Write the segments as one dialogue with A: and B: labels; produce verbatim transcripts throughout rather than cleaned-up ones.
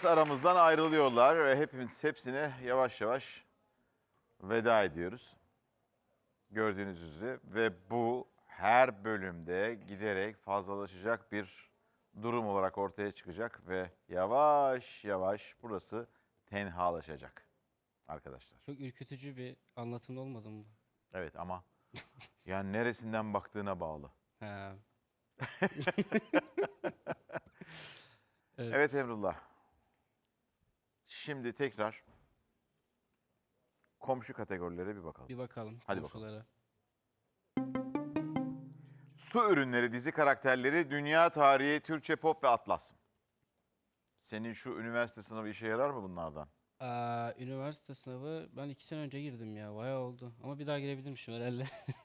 A: konuklarımız aramızdan ayrılıyorlar ve hepimiz hepsine yavaş yavaş veda ediyoruz. Gördüğünüz üzere ve bu her bölümde giderek fazlalaşacak bir durum olarak ortaya çıkacak ve yavaş yavaş burası tenhalaşacak arkadaşlar.
B: Çok ürkütücü bir anlatım olmadı mı?
A: Evet ama yani neresinden baktığına bağlı.
B: Ha.
A: Evet. Evet Emrullah. Şimdi tekrar komşu kategorilere bir bakalım.
B: Bir bakalım.
A: Hadi
B: komşulara.
A: Su ürünleri dizi karakterleri, dünya tarihi, Türkçe pop ve atlas. Senin şu üniversite sınavı işe yarar mı bunlardan?
B: Aa, üniversite sınavı ben iki sene önce girdim ya. Bayağı oldu. Ama bir daha girebilirmişim herhalde.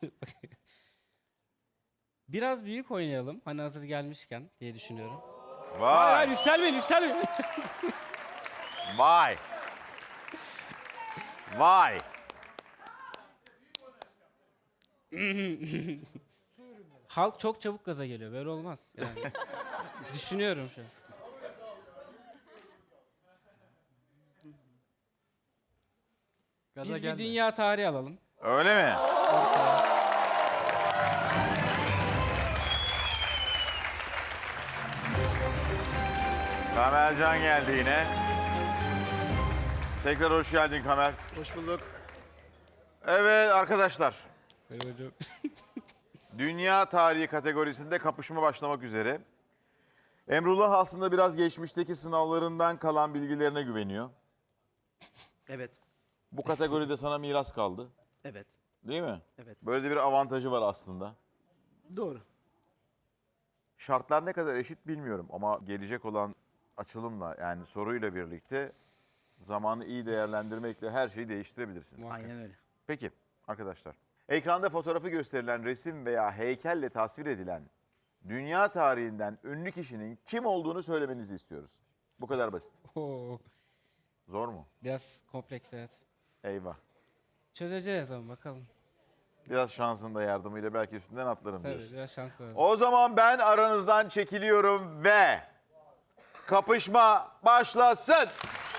B: Biraz büyük oynayalım. Hani hazır gelmişken diye düşünüyorum. Hayır,
A: Vay!
B: hayır yükselmeyin yükselmeyin.
A: Vay! Vay!
B: Halk çok çabuk gaza geliyor. Böyle olmaz. Yani. Düşünüyorum şu an.
C: Gaza
B: Biz
C: gelme.
B: bir dünya tarihi alalım.
A: Öyle mi? Kamercan geldi yine. Tekrar hoş geldin Kamer.
C: Hoş bulduk.
A: Evet arkadaşlar.
B: Merhaba hocam.
A: Dünya tarihi kategorisinde kapışma başlamak üzere. Emrullah aslında biraz geçmişteki sınavlarından kalan bilgilerine güveniyor.
C: Evet.
A: Bu kategoride sana miras kaldı.
C: Evet.
A: Değil mi?
C: Evet.
A: Böyle de bir avantajı var aslında.
C: Doğru.
A: Şartlar ne kadar eşit bilmiyorum ama gelecek olan açılımla yani soruyla birlikte zamanı iyi değerlendirmekle her şeyi değiştirebilirsiniz.
C: Aynen öyle.
A: Peki arkadaşlar. Ekranda fotoğrafı gösterilen resim veya heykelle tasvir edilen dünya tarihinden ünlü kişinin kim olduğunu söylemenizi istiyoruz. Bu kadar basit.
B: Oo,
A: Zor mu?
B: biraz kompleks evet.
A: Eyvah.
B: Çözeceğiz ama bakalım.
A: Biraz şansın da yardımıyla belki üstünden atlarım
B: Tabii
A: diyorsun.
B: biraz şans lazım.
A: O zaman ben aranızdan çekiliyorum ve kapışma başlasın.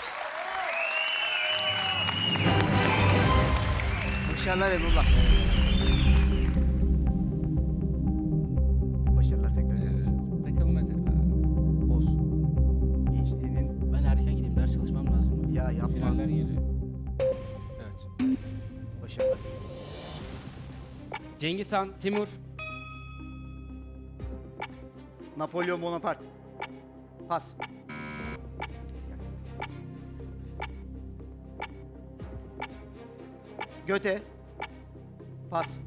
C: Başarılar Emrullah. Başarılar tekrar.
B: Ee, takılmaca.
C: Olsun. Gençliğinin
B: Ben erken gideyim ders çalışmam lazım.
C: ya yapma.
B: Finaller geliyor. Evet.
C: Başarılar.
B: Cengiz Han, Timur,
C: Napolyon Bonaparte. Pas. Göte. Pas.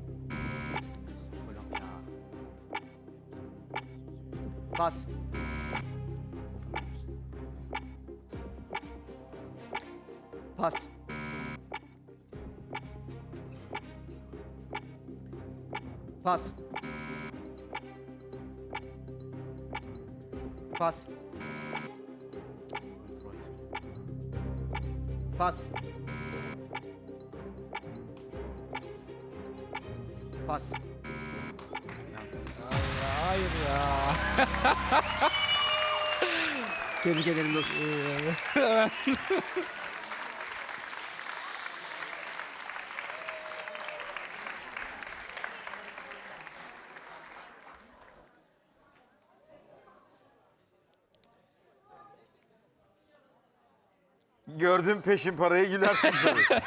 C: Pas. Pas. Pas. Pas. Pas. Pas.
B: hayır ya.
C: Tebrik ederim dostum.
A: Gördüm peşin parayı gülersin tabii.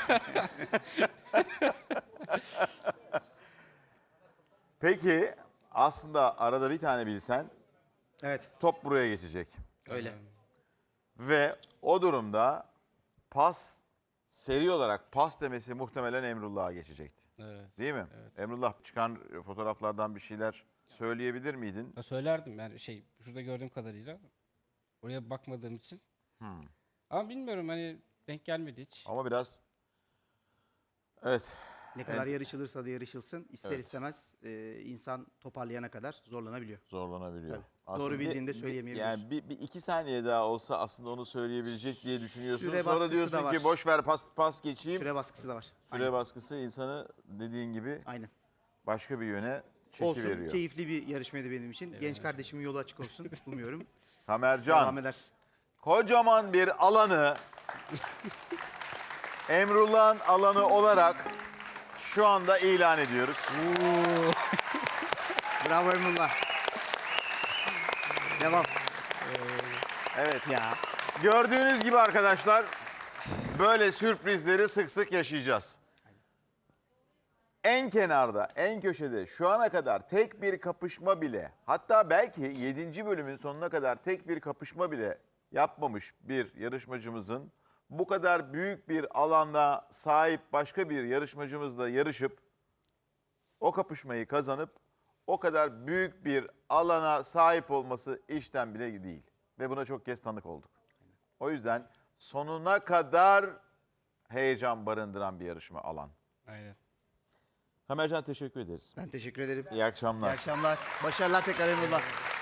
A: Peki aslında arada bir tane bilsen
C: Evet,
A: top buraya geçecek.
C: öyle.
A: Ve o durumda pas seri olarak pas demesi muhtemelen Emrullah'a geçecekti.
B: Evet.
A: Değil mi?
B: Evet.
A: Emrullah çıkan fotoğraflardan bir şeyler söyleyebilir miydin?
B: Ya söylerdim yani şey şurada gördüğüm kadarıyla. Oraya bakmadığım için.
A: Hmm.
B: Ama bilmiyorum hani denk gelmedi hiç.
A: Ama biraz evet.
C: Ne kadar
A: Evet.
C: yarışılırsa da yarışılsın, ister
A: Evet.
C: istemez e, insan toparlayana kadar zorlanabiliyor.
A: Zorlanabiliyor.
C: Tabii.
A: Aslında
C: Doğru
A: bir-
C: bildiğinde
A: bir-
C: söyleyemeyebiliyorsun.
A: Yani bir, bir iki saniye daha olsa aslında onu söyleyebilecek diye düşünüyorsun.
C: Süre
A: Sonra
C: baskısı
A: diyorsun
C: da var.
A: ki boş ver pas pas geçeyim. Süre,
C: Süre baskısı da var. Aynen.
A: baskısı insanı dediğin gibi
C: Aynen.
A: başka bir yöne
C: Olsun,
A: çekiveriyor.
C: keyifli bir yarışmaydı benim için. Genç kardeşimin yolu açık olsun. Umuyorum.
A: Kamercan
C: Devam eder.
A: kocaman bir alanı Emrullah'ın alanı olarak şu anda ilan ediyoruz.
C: Bravo Emrullah. Devam.
A: Evet.
C: Ya.
A: Gördüğünüz gibi arkadaşlar böyle sürprizleri sık sık yaşayacağız. En kenarda, en köşede şu ana kadar tek bir kapışma bile, hatta belki yedinci bölümün sonuna kadar tek bir kapışma bile yapmamış bir yarışmacımızın bu kadar büyük bir alanda sahip başka bir yarışmacımızla yarışıp o kapışmayı kazanıp o kadar büyük bir alana sahip olması işten bile değil. Ve buna çok kez tanık olduk. O yüzden sonuna kadar heyecan barındıran bir yarışma alan.
B: Aynen.
A: Kamercan teşekkür ederiz.
C: Ben teşekkür ederim.
A: İyi akşamlar.
C: İyi akşamlar. Başarılar tekrar Emrullah.